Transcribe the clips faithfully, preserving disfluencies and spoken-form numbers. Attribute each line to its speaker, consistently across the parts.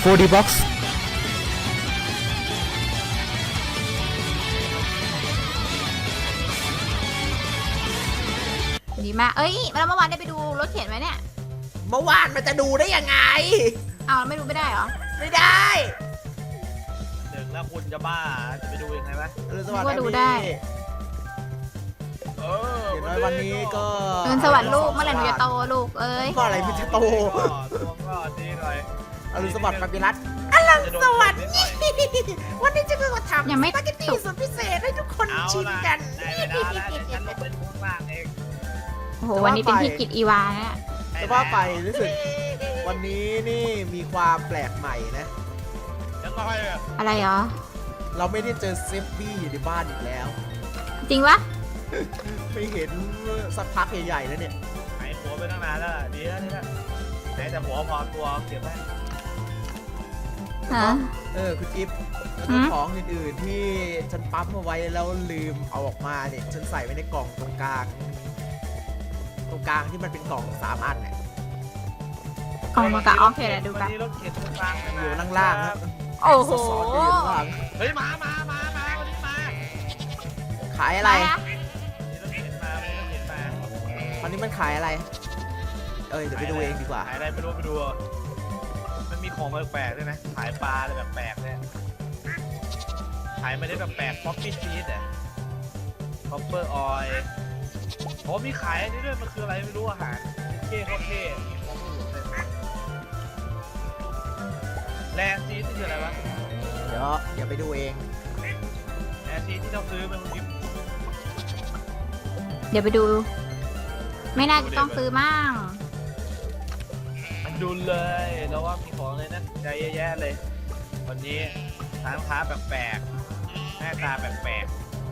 Speaker 1: ดี บ็อกซ์
Speaker 2: ดีมากเอ้ยแล้วเมื่อวานได้ไปดูรถเข็นไหมเนี่ย
Speaker 3: เมื่อวานมันจะดูได้ยังไง
Speaker 2: อ้าวไม่ดูไม่ได้เหรอ
Speaker 3: ไม่ได้
Speaker 4: หนึ่งแล้วคุณจะบ้าจะไปดูยังไงวะ
Speaker 3: อรุณสวัสดิ์
Speaker 2: ว่าดู
Speaker 3: นะ
Speaker 2: ได้
Speaker 3: พี่
Speaker 4: เออ
Speaker 3: เห็นไหมวันนี้ก็
Speaker 2: เงินสวัสดิ์ลูกเมื่อไหร่หนูจะโตลูกเอ้ย
Speaker 3: ก็อะไรมันจะโต
Speaker 4: ตัวก็ดีหน่อย
Speaker 3: อรุณสวัสดิ์ปาปิรัต
Speaker 4: สวัสดี
Speaker 3: วันนี้จะมาทำ
Speaker 2: ยังไม่
Speaker 3: สปาเกตตี้สุดพิเศษให้ทุกคน
Speaker 4: เอา
Speaker 3: ชิม
Speaker 4: ละ
Speaker 3: กัน
Speaker 4: ได้เวลาแล้วเดี๋ยวฉันลงเป็นมุ้งล่างเอง
Speaker 2: โอ้โหวันนี้เป็นพี่กิตอีวาเนี่ย
Speaker 3: จะว่าไปรู้สึกวันนี้นี่มีความแปลกใหม่นะ
Speaker 4: ยังไงอะ
Speaker 2: อะไรเหรอ
Speaker 3: เราไม่ได้เจอเซฟบี้อยู่ในบ้านอีกแล้ว
Speaker 2: จริงปะ
Speaker 3: ไม่เห็นสักพักใหญ่ๆแล้วเนี่ย
Speaker 4: หายหัวไปตั้งนานแล้วล่ะดีแล้วดีแล้วไหนแต่หัวพอตัวเก็บไว้
Speaker 2: ฮะ
Speaker 3: เออคุณจิ๊บแล้ว
Speaker 2: หื
Speaker 3: ก็
Speaker 2: ม
Speaker 3: ของอื่นๆที่ฉันปั๊มเอาไว้แล้วลืมเอาออกมาเนี่ยฉันใส่ไว้ในกล่องตรงกลาง ตรงกลางที่มันเป็นกล่องสามอันเนี่ย
Speaker 2: กล่องมากะโอเคเดี๋ยวดูกัน
Speaker 4: วันนี้รถเข็นตรงกลางนะ
Speaker 3: อยู่ล่างๆนะ
Speaker 2: โอ้โห
Speaker 3: ซอสๆอยู่ข้างล่าง
Speaker 4: เฮ้ยมามามามาวันนี้มา
Speaker 3: ขายอะไร
Speaker 2: นะ
Speaker 4: วันนี้รถเข็นมาวันนี้รถเข็นมา
Speaker 3: วันนี้มันขายอะไร เอ้ยเดี๋ยวไปดูเองดีกว่า
Speaker 4: ขายอะไรไม่รู้ไปดูเอามันมีของแปลกๆด้วยนะขายปลาอะไรแบบแปลกเนี่ยขายไม่ได้แบบแปลกป๊อปปี้ชีสอ่ะคอปเปอร์ออยล์โอ้มีขายอันนี้ด้วยมันคืออะไรไม่รู้อาหารเท่เขาเท่มีของอื่นเลยแลซีสนี่คืออะไรวะ
Speaker 3: เดี๋ยวเดี๋ยวไปดูเอง
Speaker 4: แลซีสที่เราซื้อมันมี
Speaker 2: เดี๋ยวไปดู ไม่น่าจะต้องซื้อมั่ง
Speaker 4: มันดูเลยแล้วว่ามีของเลยนั่นใจเยอะแยะเลย วันนี้ร้านค้าแปลกๆหน้าตาแปลก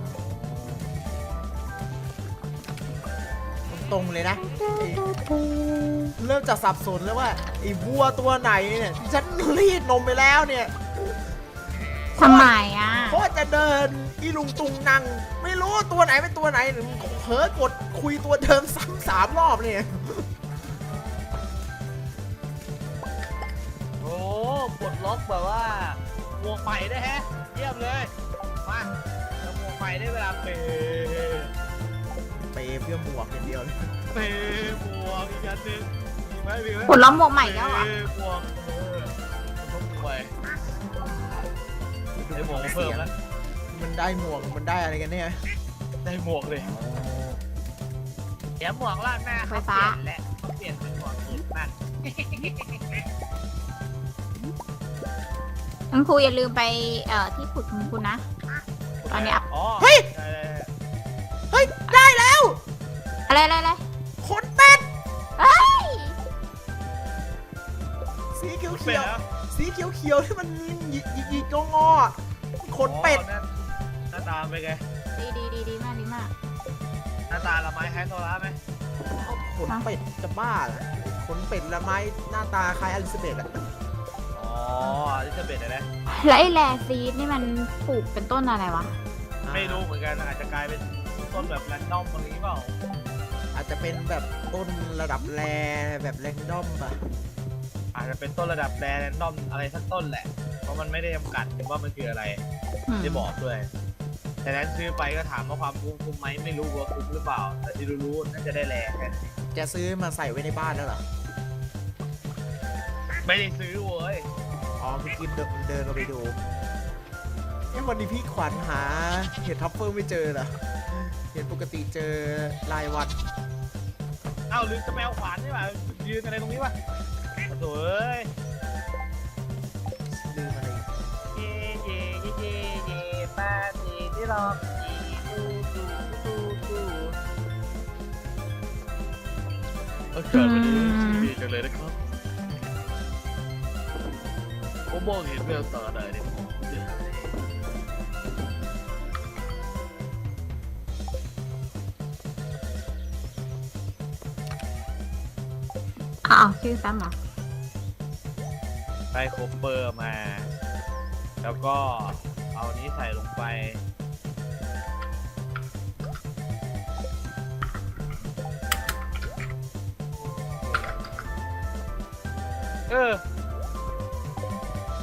Speaker 3: ตรงๆเลยนะไอ้เริ่มจะสับสนแล้วว่าไอ้วัวตัวไหนเนี่ยที่ฉันรีดนมไปแล้วเนี่ย
Speaker 2: ทำไมอ่ะ
Speaker 3: เพราะจะเดินอีลุงตุงนัง ไม่รู้ว่าตัวไหนเป็นตัวไหนหรือเผลอกดคุยตัวเดิมซ้ำสามรอบเนี่ย
Speaker 4: ๆโอ้ปลดล็อกแบบว่าหมวกใหม่ได้แฮะเยี่ยมเลยมาแล้วหมวกใหม่ได้เวลาเปย์
Speaker 3: ไปเพื่อหมวกอย่างเดียวเลย
Speaker 4: เปย์หมวกอีกอันหนึ่งมีไหมมีไหม
Speaker 2: ผลล้อมหมวกใหม่แล้วเหรอ
Speaker 4: เปย์หมวกเออต้องไปได้หมวกมาเพิ่มแล้ว
Speaker 3: มันได้หมวกมันได้อะไรกันเนี่ย
Speaker 4: ได้หมวกเลยเดี๋ยวหมวกล่างหน้าเขาเปลี่ยนแหละเขาเปลี่ยนเป็นหมวกอื่นบ้าง
Speaker 2: คุณครูอย่าลืมไปเอ่อที่ขุดคุณครูนะ ตอนนี้อัพ
Speaker 4: อ๋อ
Speaker 3: เฮ้ย
Speaker 4: ได้
Speaker 3: เฮ้ย ได้แล้ว
Speaker 2: อะไรอะไรอะไร
Speaker 3: ขนเป็ด
Speaker 2: เฮ้ย
Speaker 3: สีเขียว
Speaker 4: ๆเป็
Speaker 3: เขี
Speaker 4: ด
Speaker 3: ยว
Speaker 4: เหรอ
Speaker 3: สีเขียวเขียวที่มันหยิกหยิกหยิกงอๆขนเป็ด
Speaker 4: อ๋อหน้าตาเป็นไง
Speaker 2: ดีดีดีดีมากดีมาก
Speaker 4: หน้าตาละไม้คล้ายโซล่าไหม
Speaker 3: ขนเป็ดจะบ้าเหรอขนเป็ดละไม้หน้าตาคล้ายอลิซาเบธอะ
Speaker 4: อ๋อลิซาเบธนะ
Speaker 2: แล้วไอ้แลซีดนี่มันปลูกเป็นต้นอะไรวะ
Speaker 4: ไม่รู้เหมือนกันอาจจะกลายเป็นต้นแบบแรนดอมอะไรเปล่า
Speaker 3: อาจจะเป็นแบบต้นระดับแรแบบแรงดอมปะ
Speaker 4: อาจจะเป็นต้นระดับแรนดอมอะไรสักต้นแหละ เพราะมันไม่ได้จำกัดว่ามันคืออะไร
Speaker 2: อืม
Speaker 4: ไม่ได้บอกด้วยแต่นั้นซื้อไปก็ถามว่าความคุ้มคุ้มไหมไม่รู้ว่าคุ้มหรือเปล่า แต่ที่รู้ๆน่าจะได้แรงแค่นั้น
Speaker 3: จะซื้อมาใส่ไว้ในบ้านแล้วเหรอ
Speaker 4: ไม่ได้ซื้อเว้ย
Speaker 3: อ๋อพี่กิมเดินเดินเราไปดูเอ้วันนี้พี่ขวัญหาเห็ดทัฟเฟิลไม่เจอเหรอเห็นปกติเจอรายวัน
Speaker 4: เอ้าลืมจะแมวขวานใช่ป่ะยืนอะไรตรงนี้วะโถ่เอ้ย
Speaker 3: ลืมอะไรอีก
Speaker 4: เย่เย่เย่เย่เย่ปาตีที่รอบตีตูตูตูตูอากาศวันนี้ดีจังเลยนะครับผมมองเห็นแววตาได้เนี่ย
Speaker 2: อ้าวชื่อซ้ำเหรอ
Speaker 4: ได้โคเปอร์มา แล้วก็เอานี้ใส่ลงไป เออ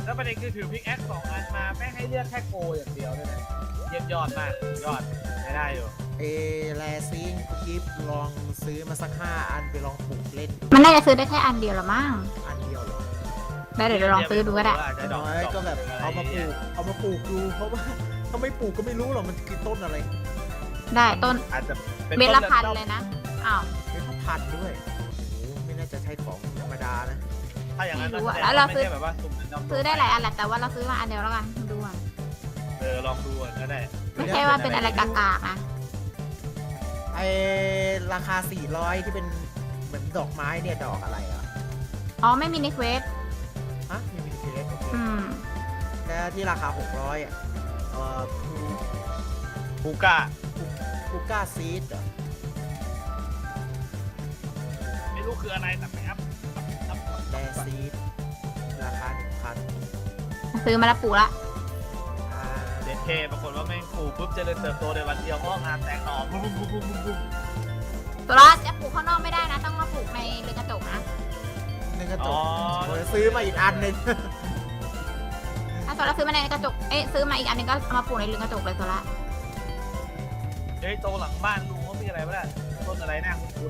Speaker 4: แล้วประเด็นคือถือพิกแอคสองอันมาแม่งให้เลือกแค่โกอย่างเดียวเลยนะเยี่ยมยอดมากยอดไม่ได้อยู่
Speaker 3: เอแลซิงกิฟลองซื้อมาสักห้าอันไปลองปลูกเล่นดู
Speaker 2: มันน่าจะซื้อได้แค่อันเดียวละมั้ง
Speaker 3: อันเดียวเหรอ
Speaker 2: ได้เดี๋ยวเราลองซื้อดูก็ได้
Speaker 3: น้อยก็แบบเอามาปลูกเอามาปลูกดูเพราะว่าถ้าไม่ปลูกก็ไม่รู้หรอกมันคือต้นอะไร
Speaker 2: ได้ต้น
Speaker 4: อาจจะเป็น
Speaker 2: เบล
Speaker 4: ต้
Speaker 2: ละ
Speaker 4: น
Speaker 2: พัน
Speaker 4: เดิม
Speaker 2: เลยนะอ้าว
Speaker 3: เป็นพันธุ์ด้วยโอ้โหไม่น่าจะใช่ของธรรมดานะ
Speaker 4: ถ้าอย่างนั้น
Speaker 2: ไม่รู้อะ
Speaker 4: แสดง
Speaker 2: แล้วเรา
Speaker 4: ไม่
Speaker 2: ซื้อ
Speaker 4: ใช่แบบว่าสุ่มเดิม
Speaker 2: ซื้อได้หลายอันแหละแต่ว่าเราซื้อมาอันเดียวแล้วกันดูอ่ะ
Speaker 4: เออลองดูก่อนก็ได้
Speaker 2: ไม่ใช่ว่าเป็นอะไรกากๆนะ
Speaker 3: ไอราคาสี่ร้อยที่เป็นเหมือนดอกไม้เนี่ยดอกอะไรอ่ะ
Speaker 2: อ๋อไม่มีในเควส
Speaker 3: ฮะมีมินิเคสโอเค
Speaker 2: อืม
Speaker 3: แล้วที่ราคาหกร้อยอ่ะเอ่อ
Speaker 4: บูก้า
Speaker 3: คูก้าซีดเหรอ
Speaker 4: ไม่รู้คืออะไรแต่ไปอัพอัพอัพ
Speaker 3: แดซีดราคาหนึ่งพัน
Speaker 2: ซื้อมาแล้วปลูกละ
Speaker 3: อ่า
Speaker 4: เด็ดเทปรากฏว่าแม่งปลูกปุ๊บเจริญเติบโตในวันเดียวงอกงามแตกหน่อบุ้มบุ้มบุ้มบุ้มบุ้ม
Speaker 2: ตัวละจะปลูกข้างนอกไม่ได้นะ ต้องมาปลูกในเรือนกระจกนะ
Speaker 3: หนึ่งกระจ
Speaker 4: อ๋
Speaker 3: ก
Speaker 4: อ
Speaker 3: เดี๋ยวซื้อมาอีกอันหนึ่ง
Speaker 2: ถ้าตัวละซื้อมาในกระจกเอ๊ะซื้อมาอีกอันหนึงก็เอามาปลูกในเรือนกระจกเลยตัวละ
Speaker 4: เฮ้ยโตหลังบ้านลุงเขามีอะไรบ้างต้นอะไรน่าคุ้น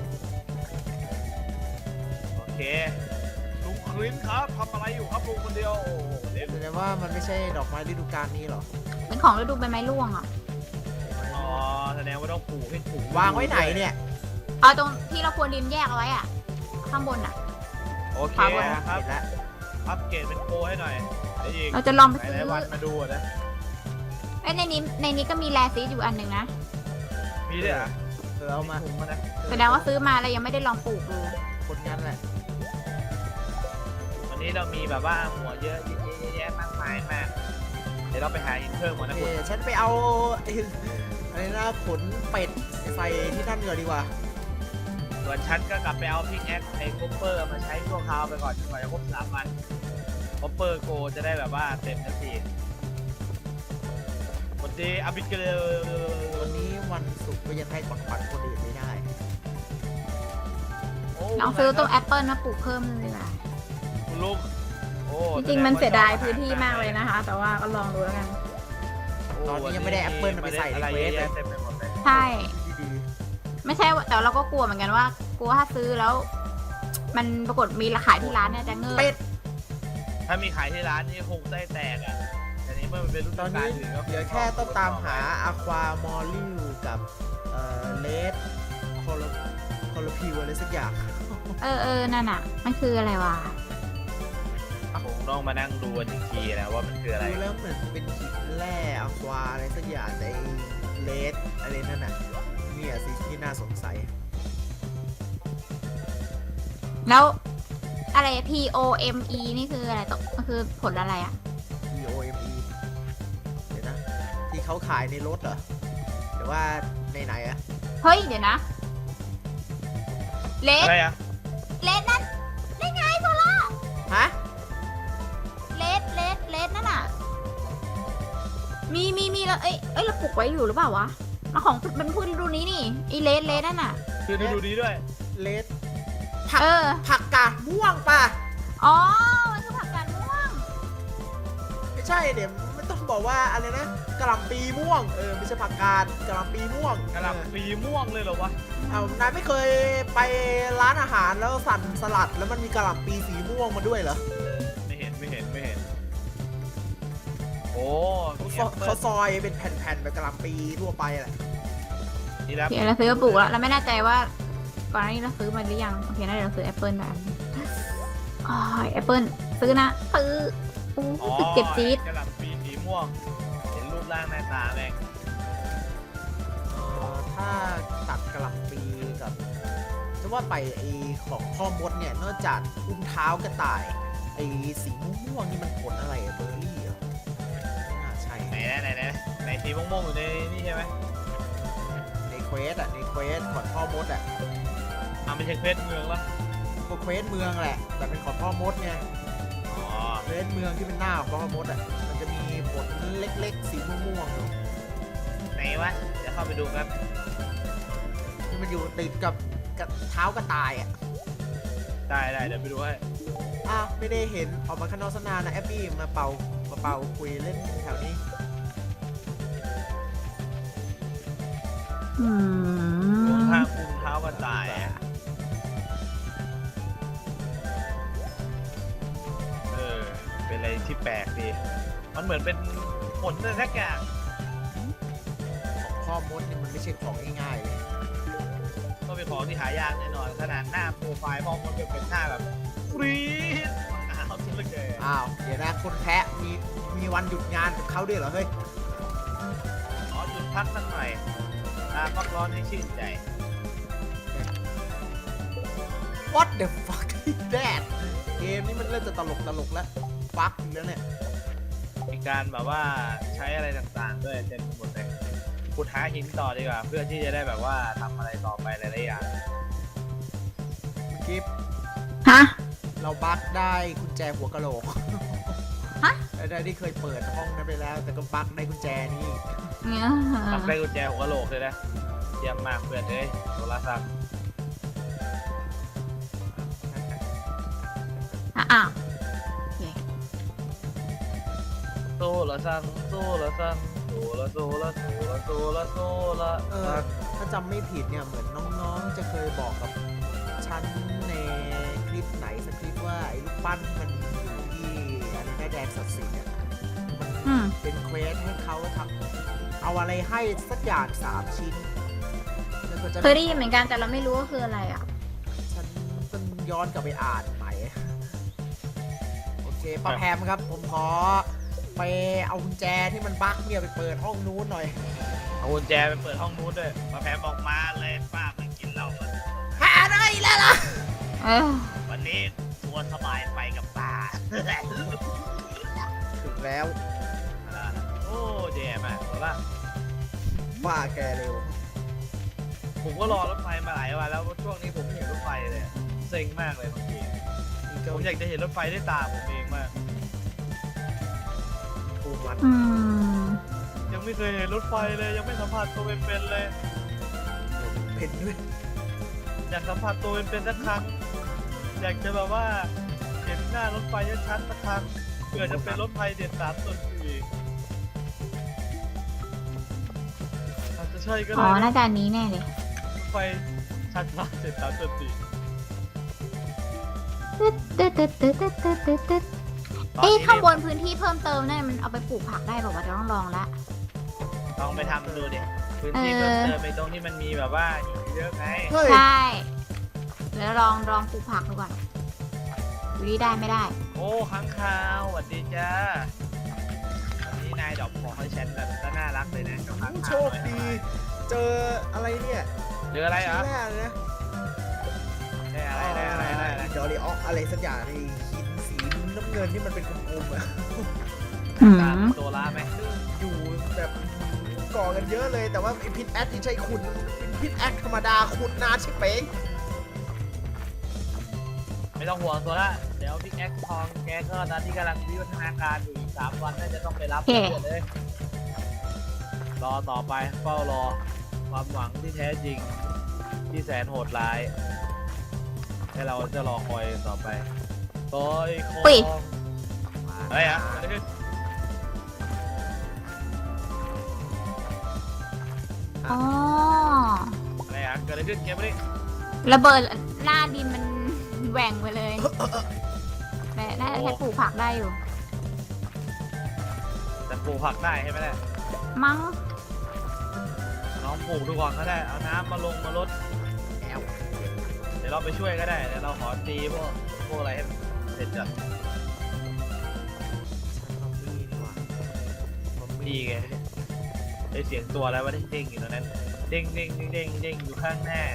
Speaker 4: ๆโอเคลุงคลินครับทำอะไรอยู่ครับลุงคนเดียวโอ้โหเด็ด
Speaker 3: แสดงว่ามันไม่ใช่ดอกไม้ฤดูกาลนี้หรอ
Speaker 2: เป็นของฤดูใบไม้ร่วงอ่ะ
Speaker 4: อ๋อแสดงว่าต้องปลูกให้ถูก
Speaker 3: วางไว้ไหนเนี่ย
Speaker 2: เอาตรงที่เราควรดินแยกเอาไว้อ่ะ ข้างบนอ่ะ
Speaker 4: โอเค
Speaker 2: วางไว้
Speaker 4: ครับ
Speaker 3: เห็นแล้ว
Speaker 4: อัปเกรดเป็นโปรให้หน่อยไอ้ยิง
Speaker 2: เราจะลองไป
Speaker 4: ไห
Speaker 2: ซื้
Speaker 4: น
Speaker 2: อ
Speaker 4: ๆวันมาดูอะนะ
Speaker 2: เอ้ยในนี้ในนี้ก็มีแลซีดอยู่อันหนึ่งนะ
Speaker 4: มีด้วยเหรอ่ะ
Speaker 3: เออเอามา
Speaker 4: ถุงมานะ
Speaker 2: แสดงว่าซื้อมาแล้วยังไม่ได้ลองปลูกดู
Speaker 3: คนงั้นแหละ
Speaker 4: วันนี้เรามีแบบว่าหัวเยอะเยอะแยะมากมายมาก เดี๋ยวเราไปหาอินเทอร์หมด
Speaker 3: โอ
Speaker 4: นะ
Speaker 3: เค
Speaker 4: คุณ
Speaker 3: ฉันไปเอาไอ้อะไรนะขนเป็ดใส่ที่นั่นก่อนดีกว่า
Speaker 4: ส่วนฉันก็กลับไปเอาพิกแอคไอ้คอปเปอร์มาใช้ชั่วคราวไปก่อนจนกว่าจะครบสามวันคอปเปอร์โกจะได้แบบว่าเต็มทันทีวันดีอาบิเกล
Speaker 3: วันนี้วันศุกร์ก็ยังให้ของขวัญคนอื่นไม่ได้
Speaker 2: ลองซื้อต้นแอปเปิลมาปลูกเพิ่มเลยดีกว่า
Speaker 4: คุณลูกโอ้
Speaker 2: จริงๆมันเสียดายพื้นที่มากเลยนะคะ แต่ว่าก็ลองดูแล้วกัน
Speaker 3: ตอนนี้ยังไม่ได้แอปเปิลเอาไปใส่ใน
Speaker 4: อะไร
Speaker 3: เคว
Speaker 4: เย
Speaker 3: ส
Speaker 4: อะ
Speaker 3: เลย
Speaker 4: แยะเต็มไปหมดเลย
Speaker 2: ใช่
Speaker 3: ดี
Speaker 2: ไม่ใช่ว่าแต่เราก็กลัวเหมือนกันว่ากลัวถ้าซื้อแล้ว มันปรากฏมีราคายที่ร้านเนี่ยจะเงิ
Speaker 3: ๆ
Speaker 2: น
Speaker 3: เป็ด
Speaker 4: ถ้ามีขายที่ร้านนี่คงได้แตกอ่ะแต่นี้เมื่อมันเป็นรุ่น
Speaker 3: ตอน
Speaker 4: กา
Speaker 3: นี้
Speaker 4: รถือก็
Speaker 3: เดี๋ยวแค่ต้องตามหาอะความอลลิวกับเอ่อเลดคอลคอลพิวอะไรสักอย่าง
Speaker 2: เออเออนั่นอ่ะ มันคืออะไรวะ
Speaker 4: คงต้องมานั่งดูกันอีกทีนะว่ามันคืออะไร
Speaker 3: ดูแล้วเหมือนเป็นหินแร่อะควาอะไรสักอย่างในเลดอะไรนั่นน่ะเนี่ยสิที่น่าสงสัย
Speaker 2: แล้วอะไร P O M E นี่คืออะไรตกมันคือผลอะไรอ่ะ
Speaker 3: P O M E เดี๋ยวนะ ที่เขาขายในรถเหรอหรือว่าในไหนอะ
Speaker 2: เฮ้ย เดี๋ยวนะ เลส
Speaker 4: อะไรอ่ะ
Speaker 2: เลสนั่นได้ไงโซล่า
Speaker 3: ฮะ
Speaker 2: เลสเลสเลสนั่นอ่ะ มีมีมีแล้วเอ้ยเอ้ยเราปลูกไว้อยู่หรือเปล่าวะมาของมันพูดดูนี้นี่ไอเลสเลสนั่นอ่ะ
Speaker 4: คือดูดีด้วย
Speaker 3: เลดผัก
Speaker 2: เออ
Speaker 3: ผักกาดม่วงป่ะ
Speaker 2: อ๋อ มันคือผักกาดม่วง
Speaker 3: ไม่ใช่เดี๋ยวไม่ต้องบอกว่าอะไรนะกะหล่ำปีม่วงเออไม่ใช่ผักกาดกะหล่ำปีม่วง
Speaker 4: กระหล่ำปีม่วงเลยเหรอวะ
Speaker 3: เอ้านายไม่เคยไปร้านอาหารแล้วสั่นสลัดแล้วมันมีกะหล่ำปีสีม่วงมาด้วยเหรอ
Speaker 4: ไม่เห็นไม่เห็นไม่เห็น โอ้
Speaker 3: เขาซอยเขาซอยเป็นแผ่นๆแบบกะหล่ำปีทั่วไปแหละ
Speaker 4: นี่แล้ว
Speaker 2: โอเคเราซื้อมาปลูกแล้วเราไม่แน่ใจว่าก่อนหน้านี้เราซื้อมาหรือยังโอเคน่าจะเราซื้อแอปเปิลแบบอ๋อแอปเปิลซื้อนะซื้ออู้
Speaker 4: อ๋อ
Speaker 2: สึกเจ็บจี๊ด
Speaker 4: กระหล่ำปีสีม่วง เห็นรูปร่างหน้าตาแม่ง
Speaker 3: เอ่อถ้าตัดกะหล่ำปีกับจะว่าไปไอของพ่อมดเนี่ยนอกจากอุ้งเท้ากระต่ายไอสีม่วงๆนี่มันผลอะไรอะเบอร์รี่เหรอไม่น่าใช่
Speaker 4: ไหนนะไหนนะไหนสีม่วงๆอยู่ในนี่ใช่ไหม
Speaker 3: ในเควสอะในเควสของพ่อมดอะ
Speaker 4: อ่าไม่ใช่เพชรเมืองแล้ว
Speaker 3: พวกเควสเมืองแหละแต่เป็นของพ่อมดไง
Speaker 4: อ๋อ
Speaker 3: เควสเมืองที่เป็นหน้าของพ่อมดอะมันจะมีผลเล็กๆ สีม่วงๆอยู่
Speaker 4: ไหนวะเดี๋ยวเข้าไปดูครับ
Speaker 3: ที่มันอยู่ติดกับกับเท้ากระต่ายอะ
Speaker 4: ได้ได้เดี๋ยวไปดูให้
Speaker 3: อ้าวไม่ได้เห็นออกมาข้างนอกสนานนะแอปปี้มาเป่ามาเป่าคุยเล่นแถวนี้
Speaker 2: อื
Speaker 4: รวม
Speaker 2: ม
Speaker 4: ทางคุมเท้ากระต่ายอะเออเป็นอะไรที่แปลกดีมันเหมือนเป็นผลอะไรสักอย่าง
Speaker 3: ของพ่อมดนี่มันไม่ใช่ของง่ายๆเลย
Speaker 4: ก็เป็นของที่หายากแน่นอนขนาดหน้าโปรไฟล์พ่อมันจะเป็นหน้าแบบฟรีดอ้าวทุกเลย
Speaker 3: อ้าวเดี๋ยวนะคนแพ้มีมีวันหยุดงานกับเขาด้วยเหรอเฮ้ย
Speaker 4: ขอหยุดพักสักหน่อยตาพักร้อนให้ชื่นใจ
Speaker 3: What the fuck is that เกมนี้มันเริ่มจะตลกตลกแล้วฟักอีกแล้วเนี่ย
Speaker 4: มีการแบบว่าใช้อะไรต่างๆด้วยเต็มไปหมดเลยขุดหาหินต่อดีกว่าเพื่อที่จะได้แบบว่าทำอะไรต่อไปหลายๆอย่าง
Speaker 3: คุณกิฟต์
Speaker 2: ฮะ
Speaker 3: เราบั๊กได้กุญแจหัวกะโหลก
Speaker 2: ฮะ
Speaker 3: ได้ที่เคยเปิดห้องนั้นไปแล้ว แต่ก็บั๊กได้กุญแจนี่
Speaker 2: เนี่ย
Speaker 4: ตักได้กุญแจหัวกะโหลกเลยนะเยี่ยมมากเพื่อนเอ้ยโทรศัพท์
Speaker 2: อ่ะอ้าวโอเค
Speaker 4: โซละซังโซละซังโซละโซละโซละโซละโซละ
Speaker 3: เออถ้าจำไม่ผิดเนี่ยเหมือนน้องๆ จะเคยบอกกับฉันในคลิปไหนสักคลิปว่าไอ้ลูกปั้นมันอยู่ที่อะไรนะแดนศักดิ์สิทธิ์เนี่ยมัน
Speaker 2: อืม
Speaker 3: เป็นเควสให้เขาทำเอาอะไรให้สักอย่างสามชิ้นแล้วก็จะ
Speaker 2: เคยได้ยินเหมือนกันแต่เราไม่รู้ว่าคืออะไรอ่ะ
Speaker 3: ฉันต้องย้อนกลับไปอ่านใหม่ โอเคป้าแพมครับ ผมขอไปเอากุญแจที่มันบั๊กเนี่ยไปเปิดห้องนู้นหน่อย
Speaker 4: เอากุญแจไปเปิดห้องนู้นด้วยมาแพมบอกมาเลยป้าไม่กินเหล้ามัน
Speaker 3: หาได้แล้วล่ะ
Speaker 2: เออ
Speaker 4: วันนี้ทัวร์สบายไปกับป้า
Speaker 3: ถึงแล้ว
Speaker 4: โอ้แย่มากเอาละ
Speaker 3: ป้าแกเร็ว
Speaker 4: ผมก็รอรถไฟมาหลายวันแล้วช่วงนี้ผมไม่เห็นรถไฟเลยเซ็งมากเลยบางที
Speaker 3: นี่ก็
Speaker 4: ผมอยากจะเห็นรถไฟด้วยตาผมเองมาก
Speaker 3: ปูมัน
Speaker 2: อืม
Speaker 4: ยังไม่เคยเห็นรถไฟเลยยังไม่สัมผัสตัวเป็นๆเลย
Speaker 3: เป็นด้วย
Speaker 4: อยากสัมผัสตัวเป็นๆสักครั้งอยากจะแบบว่าเห็นหน้ารถไฟชัดๆสักครั้งเผื่อจะเป็นรถไฟเด็ดสามส่วนสี่อาจจะใช่ก็
Speaker 2: อ๋อ
Speaker 4: ได้
Speaker 2: น่าจะอันนี้แน่เลย
Speaker 4: รถไฟชัดมากเด็ดสามส่วนสี่
Speaker 2: ตึ๊ดตึ๊ดตึ๊ดตึ๊ดตึ๊ดตึ๊ดตึ๊ดตึ๊ดเอ๊ะข้างบนพื้นที่เพิ่มเติมเนี่ยมันเอาไปปลูกผักได้บอกว่าจะต้องลองละ
Speaker 4: ลองไปทำดูดิพื้นที่เพิ่มเติมไปตรงที่มันมีแบบว่าหินเยอะไง
Speaker 3: เฮ้ย
Speaker 2: ใช่แล้วลองลองปลูกผักดูก่อนดูดีได้ไม่ได้
Speaker 4: โอ้ค้างคาวสวัสดีจ้าวันนี้นายดอกของให้ฉันแบบก็น่ารักเลยนะเจ้าค้าง
Speaker 3: โช
Speaker 4: คาว
Speaker 3: คดี เจออะไรเนี่ย
Speaker 4: เจออะไรเหรอ
Speaker 3: แร่เลยนะ
Speaker 4: ได้อะไรได้อะไรได้อะไร
Speaker 3: ดอริออกอะไรสักอย่างในหินสีน้ำเงินที่มันเป็นกลมๆอะ
Speaker 2: อื
Speaker 4: ตาม
Speaker 2: ม
Speaker 4: ตัวร้าไหม
Speaker 3: อยู่แบบก่อกันเยอะเลยแต่ว่าไอพิษแอดที่ใช้ขุดเป็นพิษแอดธรรมดาขุดนานใช่เป้ง
Speaker 4: ไม่ต้องห่วงตัวละเดี๋ยวพี่แอ็กทองแกก็ตอนที่กำลังวิวัฒนาการอยู่อีกสามวันน่าจะต้องไปรับเพื่อนเลยรอต่อไปเฝ้ารอความหวังที่แท้จริง ที่แสนโหดร้ายให้เราจะรอคอยต่อไปต่อยคอ
Speaker 2: อุ๊ย
Speaker 4: เฮ้ยอะอะไรขึ้น
Speaker 2: อ๋อ
Speaker 4: อะไรอะเกิดอะไรขึ้นเกมนี้
Speaker 2: ระเบิดหน้าดินมันแหว่งไปเลยแต่น่าจะใช้ปลูกผักได้อยู่
Speaker 4: แต่ปลูกผักได้ใช่ไหมเนี่ย
Speaker 2: มั้ง
Speaker 4: น้องปลูกดูก่อนก็ได้เอาน้ำมาลงมาลด
Speaker 3: แอล
Speaker 4: เดี๋ยวเราไปช่วยก็ได้เดี๋ยวเราขอตีพวกพวกอะไรให้เสร็จก่อน
Speaker 3: มัมมี่นี่หว่ามัม
Speaker 4: ดี
Speaker 3: มี่
Speaker 4: ไงได้เสียงตัวอะไรวะเด้งๆอยู่ตรงนั้นเด้งเด้งเด้งเด้งเด้งอยู่ข้างหน้า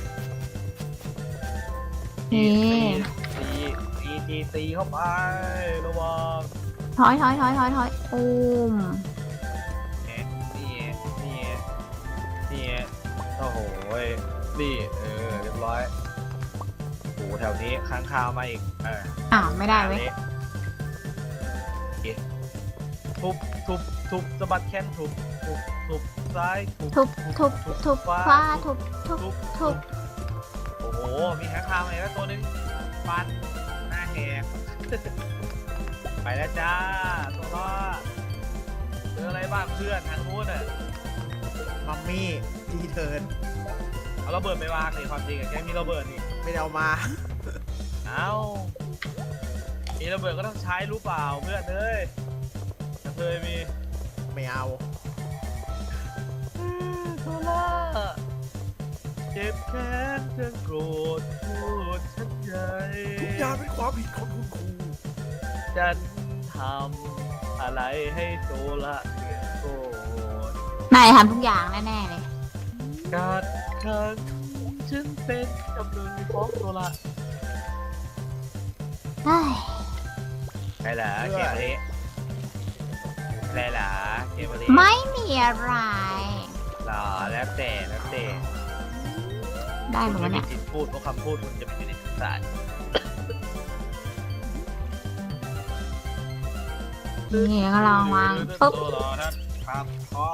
Speaker 2: นี่
Speaker 4: ตีตีตีตีตีเข้าไประวัง
Speaker 2: ถอยถอยถอยถอยถอยตูม
Speaker 4: แหมนี่ไงนี่ไงนี่ไงโอ้โหนี่เออเรียบร้อยโอ้โหแถวนี้ค้างคาวมาอีกเออ
Speaker 2: อ้าวไม่ได้เว้ย
Speaker 4: โอเคทุบทุบทุบสะบัดแขนทุบทุบทุบซ้ายทุบ
Speaker 2: ทุบทุบทุบคว้าทุบทุบ
Speaker 4: ทุบ
Speaker 2: ทุบ
Speaker 4: โอ้โหมีค้างคาวมาอีกแล้วตัวหนึงฟันหน้าแหแหก ไปแล้วจ้าตัวรอดเจออะไรบ้างเพื่อนทางนู้นอ่ะ
Speaker 3: มัมมี่ทีเทิร์น
Speaker 4: เอาระเบิดไปวางเลยความจริงอะแกมีระเบิดนี่
Speaker 3: ไม่ได้เอามา
Speaker 4: เอามีระเบิดก็ต้องใช้รู้เปล่าเพื่อนเอ้ยจะเคยมี
Speaker 3: ไม่เอา
Speaker 4: ตัวรอดเจ็บแค้นจนโกรธพูดฉันใหญ่
Speaker 3: ทุกอย่างเป็นความผิดของคุณครู
Speaker 4: ฉันทำอะไรให้โซละเสียโกรธ
Speaker 2: นายทำทุกอย่างแน่ๆเลย
Speaker 4: การครั้งฉันเป็นจำเลยของโซละ
Speaker 2: เฮ้ย
Speaker 4: ไรล่ะเกมนี้ไรล่ะเกมนี้
Speaker 2: ไม่มีอะไร
Speaker 4: หรอแล้วแต่แล้วแต่
Speaker 2: ได้ห
Speaker 4: คุ
Speaker 2: ม
Speaker 4: ณ
Speaker 2: ด
Speaker 4: ไม่
Speaker 2: เนี่
Speaker 4: มี
Speaker 2: ย
Speaker 4: สิทธิ์พูดเพราะคำพูดคุณจะไม่มีในสาร
Speaker 2: นี่ก็ลองวางปุ๊บ
Speaker 4: ครับ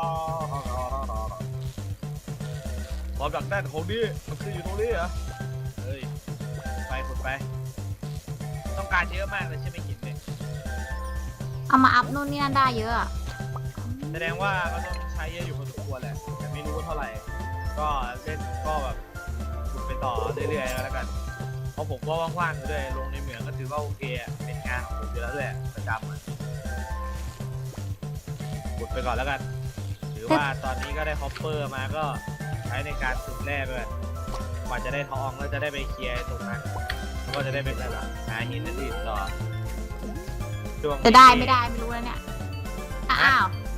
Speaker 4: ความดักแน่นของนี่มันคืออยู่ตรงนี้เหรอเฮ้ยไปขุดไป ต้องการเยอะมากเลยใช่ไหมหินเนี่ย
Speaker 2: เอามาอัพนู่นนี่นั่นได้เยอะอะ
Speaker 4: แสดงว่าก็ต้องใช้เยอะอยู่พอสมควรแหละแต่ไม่รู้ว่าเท่าไหร่ ก็เล่นก็แบบขุดไปต่อเรื่อยๆแล้วกันเพราะผมก็ว่างๆอยู่ด้วยลงในเหมืองก็ถือว่าโอเคอะเป็นงานของผมอยู่แล้วแหละประจำอะขุดไปก่อนแล้วกันถือว่าตอนนี้ก็ได้ฮอปเปอร์มาก็ใช้ในการขุดแร่ด้วยกว่าจะได้ทองแล้วจะได้ไปเคลียร์ตรงนั้นแล้วก็จะได้ไปหาหินอื่นๆต่อช่วงนี้
Speaker 2: จะได้ไม่ได้ไม่รู้แล้วเนี่ย อ้าว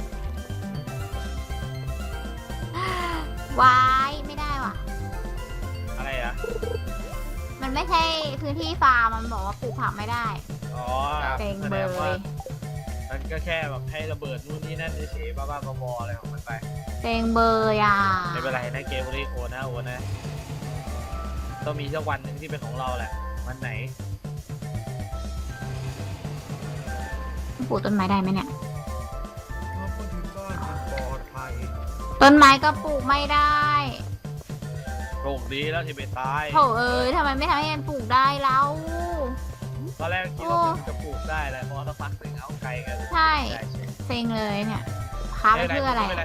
Speaker 2: วายไม่ได้ว่ะ
Speaker 4: อะไรอ่ะ
Speaker 2: มันไม่ใช่พื้นที่ฟาร์มมันบอกว่าปลูกผักไม่ได้
Speaker 4: อ๋อ
Speaker 2: เต็ง
Speaker 4: แส
Speaker 2: เบ
Speaker 4: ด
Speaker 2: ย
Speaker 4: งว่ามันก็แค่แบบให้ระเบิดนู่นนี่นั่นเฉยๆบ้าๆบอๆอะไรของมันไป
Speaker 2: เต็งเบยอ่ะ
Speaker 4: ไม่เป็นไรนะเกมนี้โอนะโอนะต้องมีสักวันหนึ่งที่เป็นของเราแหละวันไหน
Speaker 2: ปลูกต้นไม้ได้ไหมเนี่ย
Speaker 3: พอถึงบ้านมันปลอดภัย
Speaker 2: ต้นไม้ก็ปลูกไม่ได้
Speaker 4: โชคดีแล้วที่ไม่ตาย
Speaker 2: โถเอ้ยทำไมไม่ทำให้มันปลูกได้แล้ว
Speaker 4: ตอนแรกคิดว่ามันจะปลูกได้แหละเพราะถ้าพักถึงเอาไกลกัน
Speaker 2: ใช่
Speaker 4: ได้ใช่
Speaker 2: เซ็งเลยเนี่ยค้าไปเพื่ออะไร
Speaker 4: ม่เป็น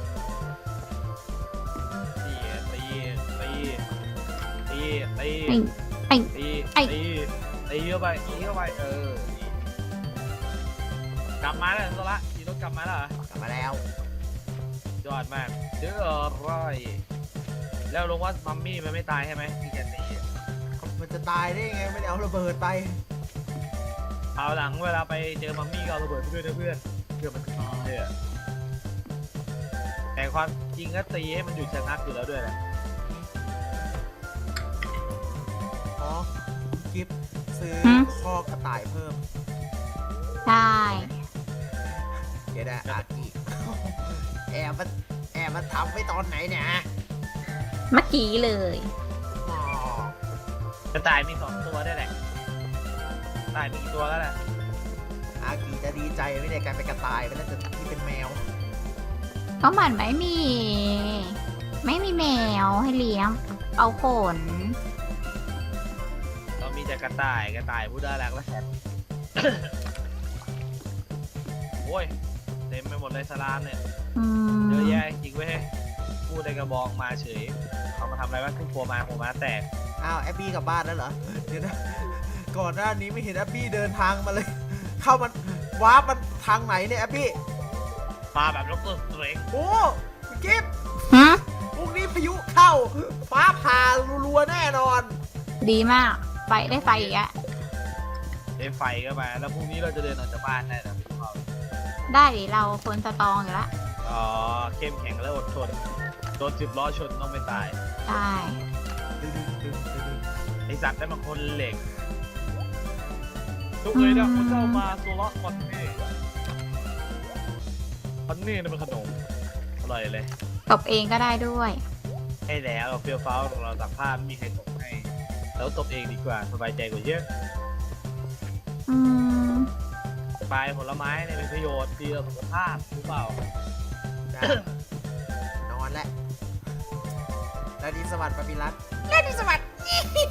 Speaker 4: ตีตีตีตีตี
Speaker 2: ไอ้
Speaker 4: ตี
Speaker 2: ไอ้
Speaker 4: ตีตีเข้าไปตีเข้าไปเออ กลับมาแล้วโซละขี่รถกลับมาแล้วเหรอก
Speaker 3: ลับมาแล้ว
Speaker 4: ยอดมากเจออะไรแล้วลงว่ามัมมี่มันไม่ตายใช่ไหมที่แกตี
Speaker 3: มันจะตายได้ไงไม่ได้เอาระเบิดไป
Speaker 4: เอาหลังเวลาไปเจอมัมมี่ก็เอาระเบิดไปด้วยนะเพื่อนเพื่อมันเออแต่ความจริงก็ตีให้มันอยู่ชะงักอยู่แล้วด้วยแหละ
Speaker 3: อ๋อกิฟซื้อ
Speaker 2: หืม
Speaker 3: คอกระต่ายเพิ่ม
Speaker 2: ได้
Speaker 3: เดี๋ยวนะอากิแอบมาแอบมาทำไว้ตอนไหนเนี่ย
Speaker 2: เมื่อกี้เลย
Speaker 3: อ๋อก
Speaker 4: ระต่ายมีสองตัวได้วยแหละกระต่ายมีกี่ตัวแล้วแหละ
Speaker 3: อากิจะดีใจไม่ได้การเป็นกระต่ายไปแล้วแต่ที่เป็นแมว
Speaker 2: ก็มันไม่มี ไม่มีแมวให้เลี้ยง เอาขน
Speaker 4: เรามีแต่กระต่ายกระต่ายผู้น่ารักและแสน โอ้ยเต็มไปหมดเลยสลามเนี่ย
Speaker 2: อืม
Speaker 4: เยอะแยะจริงเว้ยพูดในกระบองมาเฉยเขามาทำอะไรวะขึ้นโผล่มาโผล่มาแตก
Speaker 3: อ้าวแอบบี้กลับบ้านแล้วเหรอเดี๋ยวนะก่อนหน้านี้ไม่เห็นแอบบี้เดินทางมาเลย เข้ามันวาร์ปมันทางไหนเนี่ยแอบบี้
Speaker 4: มาแบบล็อกเตอร์สเตรก
Speaker 3: โอ้คุณกิฟ
Speaker 2: ฮะ
Speaker 3: พรุ่งนี้พายุเข้า ฟ้าผ่ารัวๆแน่นอน
Speaker 2: ดีมาก ไฟได้ไฟอีกอะ
Speaker 4: ได้ไฟก็มาแล้วพรุ่งนี้เราจะเดินออกจากบ้านได้นะพี่เขา
Speaker 2: ได้ดิเราคนสตรองอยู่ละ
Speaker 4: อ๋อเข้มแข็งและอดทนโดนสิบล้อชนต้องไม่ตาย
Speaker 2: ได้
Speaker 4: ไอสัตว์ได้มาคนเหล็กทุกเลยนะคุณเจ้ามาโซล่าคอนนี่คอนนี่นี่เป็นขนมอร่อยเลย
Speaker 2: ตบเองก็ได้ด้วย
Speaker 4: ให้แล้วเราเฟี้ยวฟ้าวเราตักผ้าไม่มีใครตกให้แล้วตบเองดีกว่าสบายใจกว่าเยอะ
Speaker 2: อืม
Speaker 4: ปลายผลไม้เนี่ยเป็นประโยชน์ดีต่อสุขภาพหรือเปล่า
Speaker 3: ได้นอนแล้วแล้วดีสวัสดิ์ปาปิรัต
Speaker 2: เล่นสวัสดิ์